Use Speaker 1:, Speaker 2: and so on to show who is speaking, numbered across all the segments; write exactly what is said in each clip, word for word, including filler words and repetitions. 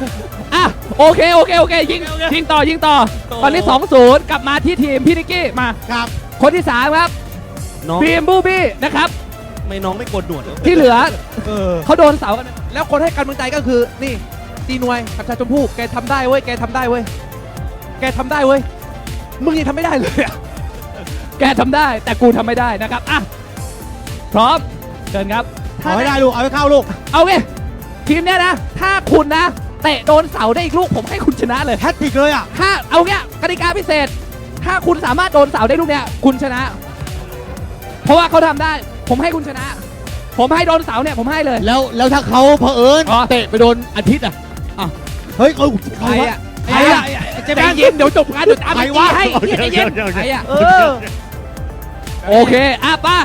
Speaker 1: อ่ะโอเคโอเคโอเคยิงยิงต่อยิงต่อตอนนี้ สองศูนย์ กลับมาที่ทีมพี่นิกกี้มา
Speaker 2: ครับ
Speaker 1: คนที่สามครับบีมบูบี้นะครับ
Speaker 3: ไม่น้องไม่โกนหนวด
Speaker 1: ที่เหลือ
Speaker 2: เออ
Speaker 1: เขาโดนเสากัน
Speaker 4: แล้วคนให้กำลังใจก็คือนี่ตีนวยกับชาชมพู่แกทำได้เว้ยแกทำได้เว้ยแกทำได้เว้ยมึงยังทำไม่ได้เลยอะ
Speaker 1: แกทำได้แต่กูทำไม่ได้นะครับอ่ะพร้อมเชิญครับ
Speaker 2: เอาให้ได้ลูกเอาให้เข้าลูก
Speaker 1: เอาไงทีมเนี้ยนะถ้าคุณนะเตะโดนเสาได้อีกลูกผมให้คุณชนะเลย
Speaker 2: แฮตติกเลยอ่ะ
Speaker 1: ถ้าเอาเงี้ยกติกาพิเศษถ้าคุณสามารถโดนเสาได้ลูกเนี้ยคุณชนะ เพราะว่าเขาทำได้ผมให้คุณชนะ ผมให้โดนเสาเนี่ยผมให้เลย
Speaker 2: แล้วแล้วถ้าเขาเผอิญเตะไปโดนอาทิตย์อ่ะเฮ้ยเขา
Speaker 1: ใครอ่ะใครอ่ะใจเย็นเดี๋ยวจบงานเดี๋ยวตามไปให้ใจเย็นใครอ่ะโอเคอ่ะป้า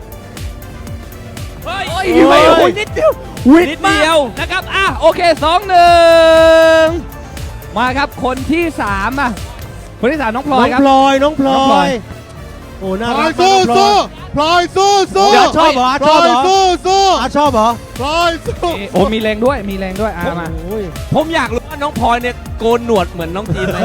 Speaker 1: เฮ้ยไม่โอ้ยนิดเดียวนิดเดียวนะครับอ่ะโอเคสองหนึ่งมาครับคนที่สามอ่ะคนที่สามน้องพลอยครับ
Speaker 2: น้องพลอยน้องพลอยโอ้น่ารักสู้สู้พลอยสู้สู้ชอบเหรอชอบเหรอสู้สู้ชอบเหรอพลอยสู้
Speaker 1: โอ้มีแรงด้วยมีแรงด้วยอ่ะมา
Speaker 3: ผมอยากรู้ว่าน้องพลอยเนี่ยโกนหนวดเหมือนน้องทีมไหม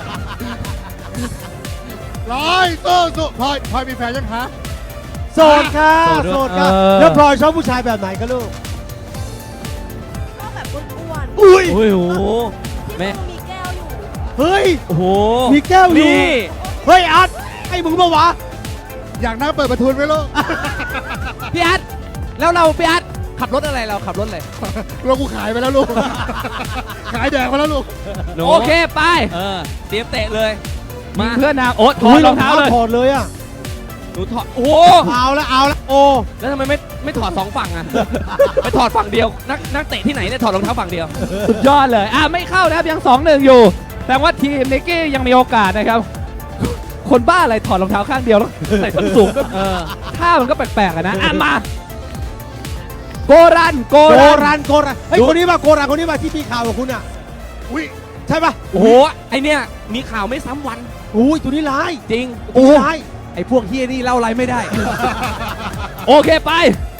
Speaker 2: พลอยสู้สู้พลอยพลอยมีแฟนยังคะโสดค่ะโสดค่ะแล้วพลอยชอบผู้ชายแบบไหนกันลูก
Speaker 5: ชอบแบบอ้วน
Speaker 2: ๆอุ้ย
Speaker 3: โอ้โห
Speaker 5: แม่มีแก้วอยู่
Speaker 2: เฮ้ย
Speaker 3: โอ้โห
Speaker 2: มีแก้วอยู่เฮ้ยอัดไอ้มึงมาวะอยากนั่งเปิดประตูไหมลูก
Speaker 1: พี่อัดแล้วเราพี่อัดขับรถอะไรเราขับรถอะไร
Speaker 2: เรากูขายไปแล้วลูกขายแดงไปแล้วลูก
Speaker 1: โอเคไป
Speaker 3: เออเตรียมเตะเลย
Speaker 1: มาเพื่อนนางโอ๊ตถอดรองเท้าเลย
Speaker 2: ถอดเลยอ่ะ
Speaker 3: หนูถอดโอ้
Speaker 2: เอาแล้วเอาแล้วโอ้
Speaker 3: แล้วทำไมไม่ไม่ถอดสองฝั่งอ่ะไปถอดฝั่งเดียวนักนักเตะที่ไหนเนี่ยถอดรองเท้าฝั่งเดียว
Speaker 1: สุดยอดเลยอ่ะไม่เข้านะครับยังสองหนึ่งอยู่แต่ว่าทีมนิกกี้ยังมีโอกาสนะครับคนบ้าอะไรถอดรองเท้าข้างเดียวแล้วใส่ส้นสูงก็ท่ามันก็แปลกๆนะอ่ะมาโกรันโก
Speaker 2: รันโกรันเฮ้ยคนนี้มาโกรันคนนี้มาที่มีข่าวกับคุณอ่ะอุ้ยใช่ปะ
Speaker 3: โอ้โหไอเนี้ยมีข่าวไม่ซ้ำวัน
Speaker 2: อุ้ยตัวนี้ร้าย
Speaker 3: จริง
Speaker 2: โอ้ร้าย
Speaker 4: ไอ้พวกเฮียนี่เล่าอะไรไม่ได้
Speaker 1: โอเคไป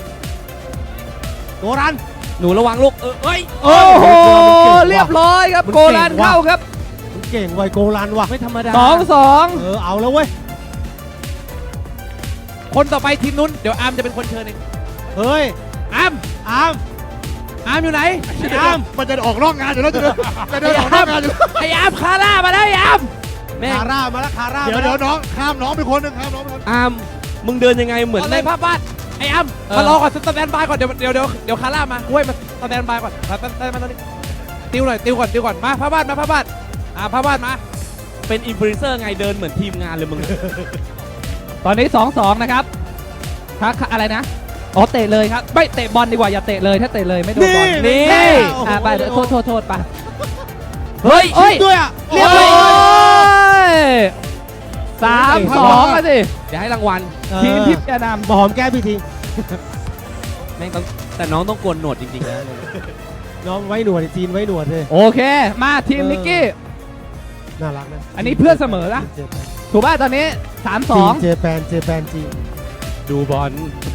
Speaker 2: โกรัน
Speaker 3: หนูระวังลูกเออเฮ้ย
Speaker 1: โอ้โหเรียบร้อยครับโกรันเข้าครับ
Speaker 2: เก่งไวโกรันว่ะ
Speaker 3: ไม่ธรรมดา
Speaker 1: สองสอง
Speaker 2: เออเอาแล้วเว้ย
Speaker 4: คนต่อไปทีมนู้นเดี๋ยวอาร์มจะเป็นคนเชิญเอง
Speaker 2: เฮ้ย
Speaker 4: อาร์ม
Speaker 2: อาร์ม
Speaker 4: อาร์มอยู่ไหน
Speaker 2: อาร์มมันจะออกนอกงานอยู่แล้วจะจะเดินออกนอกงานอยู่
Speaker 4: ไอ้อาร์มคาร่ามาแล้วไอ้อาร์ม
Speaker 2: คาร่ามาแล้วคาร่าเดี๋ยวเดี๋ยวน้องข้ามน้องไปคนหนึ่งข้ามน้องไปคน
Speaker 3: อาร์มมึงเดินยังไงเหมือน
Speaker 4: ในภาพบ้านไอ้อาร์มมารอก่อนสแตนบายก่อนเดี๋ยวเดี๋ยวเดี๋ยวเดี๋ยวคาร่ามาเว้ยมาสแตนบายก่อนมาสแตนบายตอนนี้ติวหน่อยติวก่อนติวก่อนมาภาพบ้านมาภาพบ้านอ่าภาพบ้านมา
Speaker 3: เป็นอินฟลูเอนเซอร์ไงเดินเหมือนทีมงานเลยมึง
Speaker 1: ตอนนี้ สองสอง นะครับถ้าอะไรนะอ๋อเตะเลยครับไม่เตะบอลดีกว่าอย่าเตะเลยถ้าเตะเลยไม่โดนบอลนี่อ่าไปโทษโทษโทษไป
Speaker 2: เฮ้ยเฮ้ยด้วยอ่ะ
Speaker 1: เรียบร้อยสามสองอ่ะสิ
Speaker 3: อย่าให้รางวัล
Speaker 1: ทีมทิพย์จะนำ
Speaker 2: หอมแก้พี่ที
Speaker 3: แม่งต้องแต่น้องต้องโกนหนวดจริงๆนะ
Speaker 2: น้องไว้หนวดจีนไว้หนวดเลย
Speaker 1: โอเคมาทีมนิกกี้
Speaker 2: น่ารักนะ
Speaker 1: อันนี้เพื่อนเสมอละถูกป่ะตอนนี้สามสอง
Speaker 2: เจแปนเจแปนจีน
Speaker 3: ดูบอล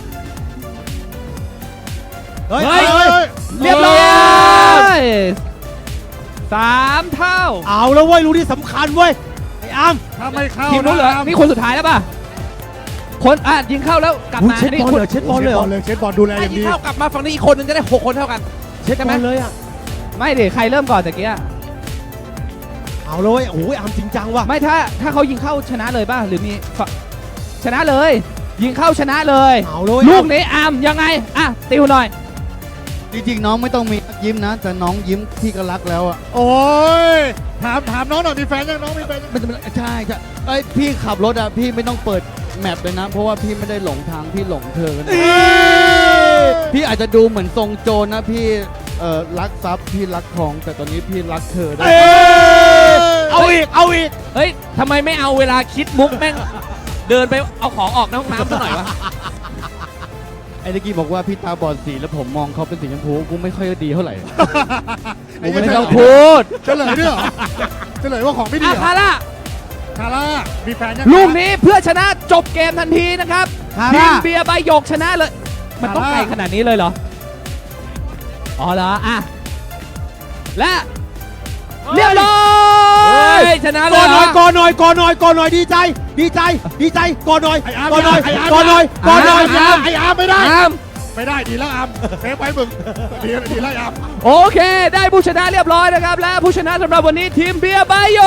Speaker 1: เฮ้ยเรียบร้อยสามเท่า
Speaker 2: เอาแล้วเว้ยรู้ที่สำคัญเว้ยไอ้อาร์ม
Speaker 1: ทำไมเข้าทีมนู้นเหรอนี่คนสุดท้ายแล้วป่ะคนอ่ะยิงเข้าแล้วกลับมา
Speaker 2: เช็ดบอลเลยเช็ดบอลเลยเช็ดบอลดูแลอย่างดี
Speaker 4: ยิงเข้ากลับมาฝั่งนี้อีกคนนึงจะได้หกคนเท่ากัน
Speaker 2: เช็ดบอลเลยอ่ะ
Speaker 1: ไม่ดิใครเริ่มก่อนตะกี้
Speaker 2: เอาเลยโอ้ยอาร์มจริงจังว่ะ
Speaker 1: ไม่ถ้าถ้าเขายิงเข้าชนะเลยป่ะหรือมีชนะเลยยิงเข้าชนะเลย
Speaker 2: เอาเลย
Speaker 1: ลูกนี้อาร์มยังไงอ่ะติวหน่อย
Speaker 6: จริงๆน้องไม่ต้องมียิ้มนะแต่น้องยิ้มพี่ก็รักแล้วอ่ะ
Speaker 2: โอ้ยถามถามน้องหน่อยมีแฟนยังน้องมีแฟน
Speaker 6: ไม่ใช่ใช่ไอ้พี่ขับรถอ่ะพี่ไม่ต้องเปิดแมปเลยนะเพราะว่าพี่ไม่ได้หลงทางพี่หลงเธอนะพี่อาจจะดูเหมือนทรงโจรนะพี่เอ่อรักทรัพย์พี่รักทองแต่ตอนนี้พี่รักเธอได้
Speaker 2: เอาอีกเอาอีก
Speaker 3: เฮ้ยทำไมไม่เอาเวลาคิดมุกแม่งเดินไปเอาของออกในห้องน้ำซะหน่อยวะ
Speaker 6: ไอ้ตะกี้บอกว่าพี่ตาบอดสีแล้วผมมองเขาเป็นสีชมพูกูไม่ค่อยดีเท่าไหร่
Speaker 1: กูไม่ต้องพูด
Speaker 2: เฉลยด้วยเหรอเฉลยว่าของไม่ดี
Speaker 1: คาร่า
Speaker 2: คาร่ามีแฟนยัง
Speaker 1: ลูกนี้เพื่อชนะจบเกมทันทีนะครับทีมเบียร์ใบหยกชนะเลยมันต้องไกลขนาดนี้เลยเหรออ๋อเหรออ่ะและเรียบร้อ
Speaker 3: เฮ้
Speaker 1: ย
Speaker 3: ยชนะเล
Speaker 2: ก่อย น
Speaker 3: เห
Speaker 2: ห
Speaker 3: ร
Speaker 2: น่อ
Speaker 3: อย
Speaker 2: ก่อนหน่อยก่อนหน่อยก่อนหน่อยดีใจ ดีใจ ดีใจก่อนหน่อยก่อนหน่อยก่อนหน่อยก่อนหน่อย
Speaker 7: ไอ้อาร์มไม่ได้
Speaker 3: อ้าม
Speaker 7: ไม่ได้ดีแล้วอาร์มเซฟไว้มึงดีดีแล้วอาร์ม
Speaker 1: โอเค ได้ผู้ชนะเรียบร้อยนะครับ และผู้ชนะสำหรับวันนี้ทีมเบียร์ไบโย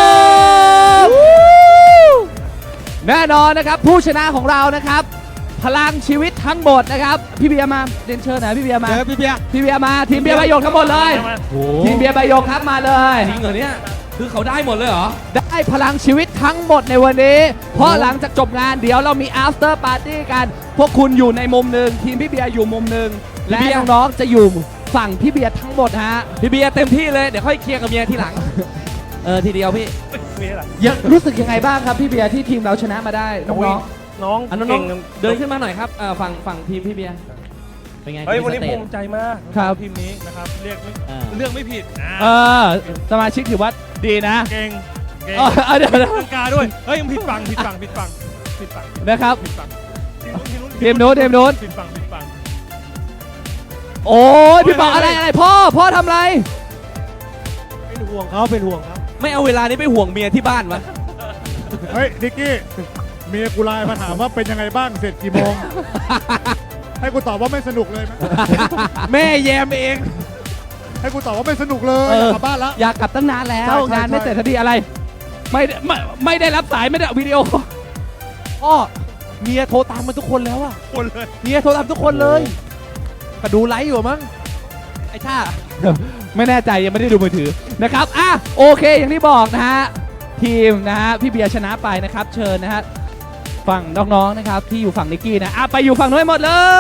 Speaker 1: แน่นอนนะครับผู้ชนะของเรานะครับ พลังชีวิตทั้งหมดนะครับพี่เบียร์มาเรียนเชิญหน่อยพี่เบียร์มา
Speaker 2: เดี๋ยวพี่เบียร์
Speaker 1: พี่เบียร์มาทีมเบียร์ไบโยทั้งหมดเลยทีมเบียร์ไบโยครับมาเลย
Speaker 3: จริงเหรอเนี่ยคือเขาได้หมดเลยเหรอ
Speaker 1: ได้พลังชีวิตทั้งหมดในวันนี้ เพราะหลังจากจบงานเดี๋ยวเรามี after party กัน พวกคุณอยู่ในมุมหนึ่งทีมพี่เบียร์อยู่มุมหนึ่ง
Speaker 3: พี่
Speaker 1: และ
Speaker 3: เบียร์
Speaker 1: น้องๆจะอยู่ฝั่งพี่เบียร์ทั้งหมดฮะ
Speaker 3: พี่เบียร์เต็มที่เลยเดี๋ยวค่อยเคลียร์กับเมียทีหลัง เออทีเดียวพี่
Speaker 1: ยังรู้สึกยังไงบ้างครับพี่เบียร์ที่ทีมเราชนะมาได้น้อง
Speaker 8: น้อง
Speaker 3: อันน้องๆเดินขึ้นมาหน่อยครับเอ่อฝั่งฝั่งทีมพี่เบียร์เป็นไง
Speaker 8: เฮ้ยวันนี้
Speaker 3: สเต
Speaker 8: ภู
Speaker 3: จ
Speaker 8: มิใจมาก
Speaker 1: ครับ
Speaker 8: ทีมนี้นะครับเรียกไม่
Speaker 3: อ่า
Speaker 8: เลือกไม่ผิดอ่า
Speaker 1: ๆเออสมาชิกถือว่าดีนะ
Speaker 8: เก่งเก่ง
Speaker 1: เออเออเดี๋ยวนะ
Speaker 8: ตั้งกาด้วยเฮ้ยมึงผิดฝั่งผิดฝั่งผิดฝั่งผิดฝั่ง
Speaker 1: นะครับ
Speaker 8: ผิดฝั่งทีมนู้น
Speaker 1: ทีมนู้นทีมนู้น
Speaker 8: ผิดฝั่งผิดฝั่ง
Speaker 1: โอ้ยพี่บอกอะไรอะไรพ่อพ่อทำอะไร
Speaker 2: เป็นห่วงเขาเป็นห่วงเขา
Speaker 3: ไม่เอาเวลานี้ไปห่วงเมียที่บ้านวะ
Speaker 7: เฮ้ยนิกกี้เมียกูไลน์มาถามว่าเป็นยังไงบ้างเสร็จกี่โมง ให้กูตอบว่าไม่สนุกเลยไหม
Speaker 4: แม่แยมเอง
Speaker 7: ให้กูตอบว่าไม่สนุกเลย
Speaker 1: เออ
Speaker 7: อยากกลับบ้านแล้ว
Speaker 1: อยากกลับตั้งนานแล้ว
Speaker 7: ใช่ใช่
Speaker 1: งานไม่
Speaker 7: ใช่
Speaker 1: เสร็จทันทีอะไรไม่ได้ไม่ไม่ได้รับสายไม่ได้วิดีโอ
Speaker 4: พ่อเมียโทรตามมาทุกคนแล้วอะ
Speaker 7: คนเลย
Speaker 4: เมียโทรตามทุกคนเลยก็ดูไลฟ์อยู่มั้งไอ้ชา
Speaker 1: ไม่แน่ใจยังไม่ได้ดูมือถือนะครับอ่ะโอเคอย่างที่บอกนะฮะทีมนะฮะพี่เบียร์ชนะไปนะครับเชิญนะฮะฝั่งน้องๆนะครับที่อยู่ฝั่งนิกกี้นะอ่ะไปอยู่ฝั่งนู้นให้หมด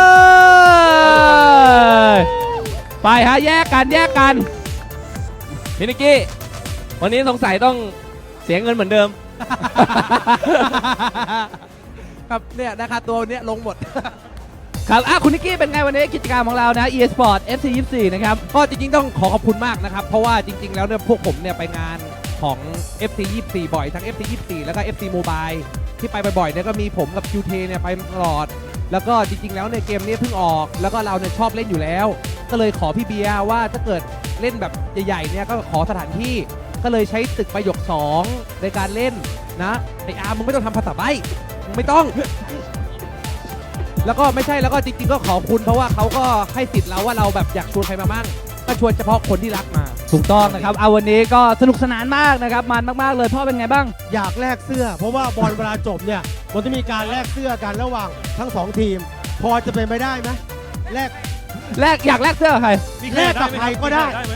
Speaker 1: เลยไปฮะแยกกันแยกกัน
Speaker 3: พี่นิกกี้วันนี้สงสัยต้องเสียเงินเหมือนเดิม
Speaker 4: ครับเนี่ยนะคะตัวเนี้ยลงหมด
Speaker 1: ครับอ่ะคุณนิกกี้เป็นไงวันนี้กิจกรรมของเรานะ e-sport เอฟ ซี ยี่สิบสี่นะครับ
Speaker 4: ก็จริงๆต้องขอขอบคุณมากนะครับ เพราะว่าจริง ๆ แล้วเนี่ยพวกผมเนี่ยไปงานของ เอฟ ซี ยี่สิบสี่ บ่อยทั้ง เอฟ ซี ยี่สิบสี่ แล้วก็ เอฟ ซี Mobile ที่ไปบ่อยๆเนี่ยก็มีผมกับ คิว ที เนี่ยไปตลอด แล้วก็จริงๆแล้วเนี่ยเกมนี้เพิ่งออก แล้วก็เราเนี่ยชอบเล่นอยู่แล้ว ก็เลยขอพี่เบียร์ว่าถ้าเกิดเล่นแบบใหญ่ๆเนี่ยก็ขอสถานที่ ก็เลยใช้ตึกประโยคสองในการเล่นนะไออาร์มมึงไม่ต้องทำภาษาใบ้มึงไม่ต้อง แล้วก็ไม่ใช่แล้วก็จริงๆก็ขอบคุณเพราะว่าเขาก็ให้สิทธิ์เราว่าเราแบบอยากชวนใครมามั่งก็ชวนเฉพาะคนที่รักมา
Speaker 1: ถูกต้องนะครับเอาวันนี้ก็สนุกสนานมากนะครับมันมากๆเลยพ่อเป็นไงบ้าง
Speaker 2: อยากแลกเสื้อ เพราะว่าบอลเวลาจบเนี่ยมันจะมีการแลกเสื้อกันระหว่างทั้งสองทีม พอจะเป็นไปได้ไหมแลก
Speaker 1: แลกอยากแลกเสื้อกับใคร
Speaker 7: มี
Speaker 2: แลกกับใครก็ได้
Speaker 7: ไหม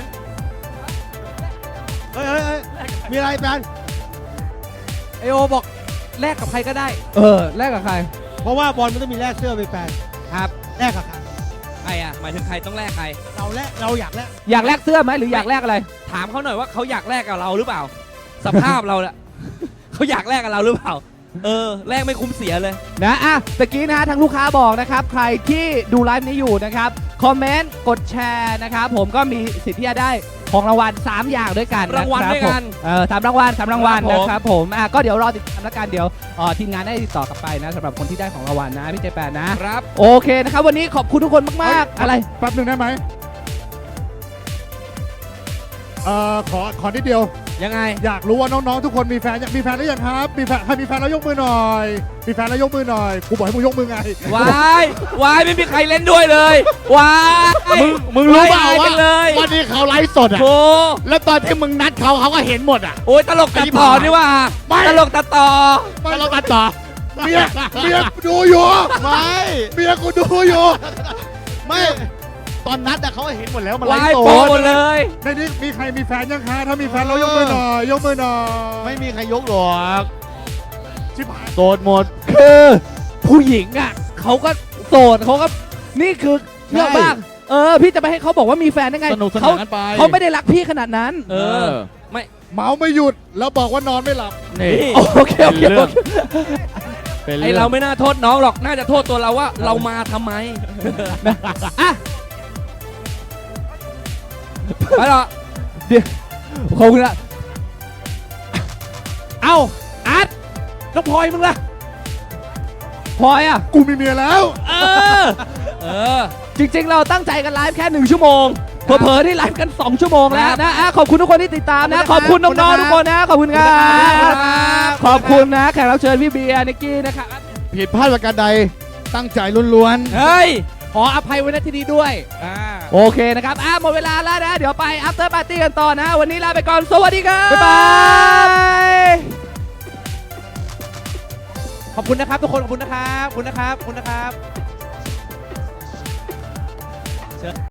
Speaker 2: เอ้ยเอ้ยเอ้ยมีอะไรแปน
Speaker 4: ไอโอบอกแลกกับใครก็ได้
Speaker 1: เออแลกกับใคร
Speaker 2: เพราะว่าบอลมันต้องมีแลกเสื้อไปแปน
Speaker 3: ครับ
Speaker 2: แลกกับใคร
Speaker 3: ใครอ่ะหมายถึงใครต้องแลกใคร
Speaker 2: เราแลกเราอยากแลก
Speaker 1: อยากแลกเสื้อไหมหรืออยากแลกอะไร
Speaker 3: ถามเขาหน่อยว่าเขาอยากแลกกับเราหรือเปล่า สภาพเราเนี่ย เขาอยากแลกกับเราหรือเปล่า เออแลกไม่คุ้มเสียเลย
Speaker 1: นะอ่ะตะกี้นะฮะทางลูกค้าบอกนะครับใครที่ดูไลฟ์นี้อยู่นะครับคอมเมนต์กดแชร์นะครับผมก็มีสิทธิ์ที่จะได้ของรางวัลสามอย่างด้วยกันนะ
Speaker 3: รางวัล
Speaker 1: คบ
Speaker 3: ด้วยกัน
Speaker 1: ผมเออสามรางวัลสามรางวัล
Speaker 3: ครับผม
Speaker 1: นะครับผมอ่ะก็เดี๋ยวรอติดตามแล้วกันเดี๋ยวเอ่อทีมงานได้ติดต่อกลับไปนะสำหรับคนที่ได้ของรางวัลนะพี่เจแปนนะครับ โอเคนะครับวันนี้ขอบคุณทุกคนมากๆอะไร
Speaker 7: แป๊บหนึ่งได้ไหมเอ่อขอขอนิดเดียว
Speaker 3: ยังไง
Speaker 7: อยากรู้ว่าน้องๆทุกคนมีแฟนยังมีแฟนหรือยังครับมีแฟนใครมีแฟนแล้วยกมือหน่อย มีแฟนแล้วยกมือหน่อยกูบอกให้มึงยกมือไง
Speaker 3: วายวายไม่มีใครเล่นด้วยเลย วาย
Speaker 6: มึงมึงรู้เปล่า
Speaker 3: ไม่อย
Speaker 6: ว่า
Speaker 3: กันเลย
Speaker 6: วันนี้เขาไลฟ์สดอ่ะ
Speaker 3: โธ่
Speaker 6: แล้วตอนที่มึงนัดเขาเขาก็เห็นหมดอ่ะ
Speaker 3: โอ้ยตลกตัดต่อนี่ว่า
Speaker 6: ไม่
Speaker 3: ตลกตัดต่อ
Speaker 6: แล้วเราตัดต่อ
Speaker 7: เมียเมียกูดูอยู่
Speaker 6: ไม่
Speaker 7: เมียกูดูอยู่
Speaker 6: ไม่ ตอนนัดอะเขาก็เห็นหมดแล้วมันไล
Speaker 3: วาย
Speaker 6: ฟ์ส
Speaker 3: โปร
Speaker 6: ด
Speaker 3: หมดเลย
Speaker 7: ในนี้มีใครมีแฟนยังคะถ้ามีแฟนแล้วยกมือหน่อยยกมือหน่อย
Speaker 6: ไม่มีใครยกหรอก
Speaker 7: ชิบหาย
Speaker 6: โสดหมด
Speaker 1: คือผู้หญิงอ่ะเขาก็โสดเขาก็นี่คือเยอะมากเออพี่จะไปให้เขาบอกว่ามีแฟนได้ไง
Speaker 6: สนุกส
Speaker 1: เขา
Speaker 6: นานกันไป
Speaker 1: เขาไม่ได้รักพี่ขนาดนั้น
Speaker 3: เออ ไม่
Speaker 7: เมาไม่หยุดแล้วบอกว่านอนไม่หลับ
Speaker 6: นี่
Speaker 1: โอเคโอเคโอเค
Speaker 6: เป็น
Speaker 3: ไอ
Speaker 6: เรื่อง
Speaker 3: เราไม่น่าโทษน้องหรอก น่าจะโทษตัวเราว่าเรามาทำไม
Speaker 1: อ่ะ
Speaker 3: ไปหรอ
Speaker 1: ขอบคุณละ
Speaker 4: เอ้าอาร์ตน้องพลอยมึงล่ะ
Speaker 1: พลอยอ่ะ
Speaker 7: กูมีเมียแล้ว
Speaker 1: เออ
Speaker 3: เออ
Speaker 1: จริงๆ เราตั้งใจกันไลฟ์แค่หนึ่งชั่วโมงเผลอๆที่ไลฟ์กัน สอง ชั่วโมงแล้วนะอ่ะขอบคุณทุกคนที่ติดตามนะ ขอบคุณน้องๆทุกคนนะ ขอบคุณครับขอบคุณนะแขกรับเชิญพี่เบียร์นิกกี้นะครับ
Speaker 6: ผิดพลาดประการใดตั้งใจล้วน
Speaker 3: เฮ้ย
Speaker 4: ขออภัยไว้ณที่นี้ด้วยอ่า
Speaker 1: โอเคนะครับอ่ะหมดเวลาแล้วนะ เดี๋ยวไป after party กันต่อนะ วันนี้ลาไปก่อน สวัสดีครับ
Speaker 4: บ๊ายบาย ขอบคุณนะครับทุกคน ขอบคุณนะครับ ขอบคุณนะครับ ขอบคุณนะครับ